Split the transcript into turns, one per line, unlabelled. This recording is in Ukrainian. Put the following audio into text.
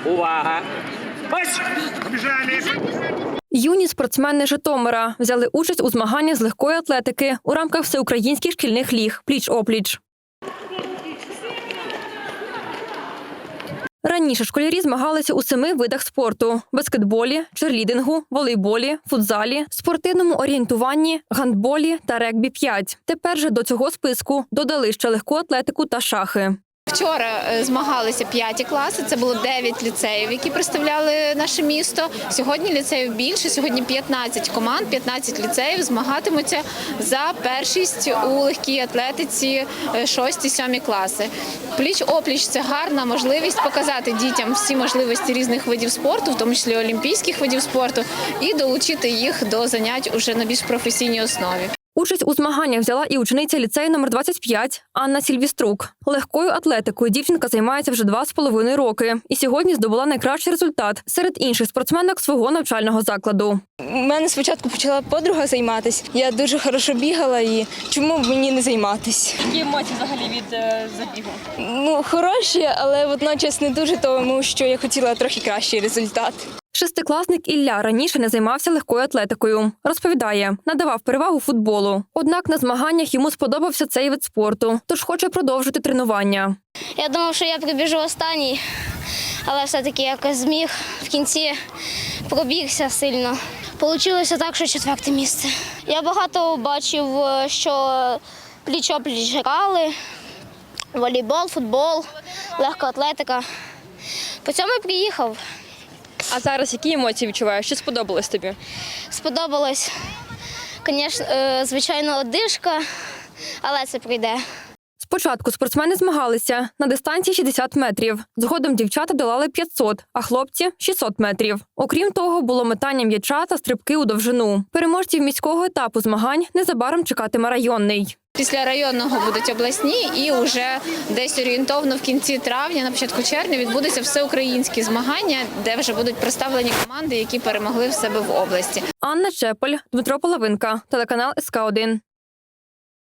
Увага! Ось! Побіжали!
Юні спортсмени Житомира взяли участь у змаганнях з легкої атлетики у рамках всеукраїнських шкільних ліг «Пліч-опліч». Раніше школярі змагалися у 7 видах спорту – баскетболі, черлідингу, волейболі, футзалі, спортивному орієнтуванні, гандболі та регбі-5. Тепер же до цього списку додали ще легку атлетику та шахи.
Вчора змагалися 5 класи, це було 9 ліцеїв, які представляли наше місто. Сьогодні ліцеїв більше, сьогодні 15 команд, 15 ліцеїв змагатимуться за першість у легкій атлетиці 6-7 класи. Пліч-опліч – це гарна можливість показати дітям всі можливості різних видів спорту, в тому числі олімпійських видів спорту, і долучити їх до занять уже на більш професійній основі.
Участь у змаганнях взяла і учениця ліцею номер 25 Анна Сільвіструк. Легкою атлетикою дівчинка займається вже 2,5 роки і сьогодні здобула найкращий результат серед інших спортсменок свого навчального закладу.
У мене спочатку почала подруга займатися. Я дуже хорошо бігала і чому б мені не займатися?
Які емоції взагалі від забігу?
Хороші, але водночас не дуже, тому що я хотіла трохи кращий результат.
Шестикласник Ілля раніше не займався легкою атлетикою. Розповідає, надавав перевагу футболу. Однак на змаганнях йому сподобався цей вид спорту, тож хоче продовжити тренування.
Я думав, що я прибіжу останній, але все-таки якось зміг. В кінці пробігся сильно. Получилося так, що 4-те місце. Я багато бачив, що пліч-опліч грали, волейбол, футбол, легка атлетика. По цьому і приїхав.
А зараз які емоції відчуваєш? Що сподобалось тобі?
Сподобалось, звичайно, одишка, але це прийде.
Спочатку спортсмени змагалися на дистанції 60 метрів. Згодом дівчата долали 500, а хлопці – 600 метрів. Окрім того, було метання м'яча та стрибки у довжину. Переможців міського етапу змагань незабаром чекатиме районний.
Після районного будуть обласні і вже десь орієнтовно в кінці травня, на початку червня відбудуться всеукраїнські змагання, де вже будуть представлені команди, які перемогли в себе в області.
Анна Чепель, Дмитро Половинка, телеканал СК1.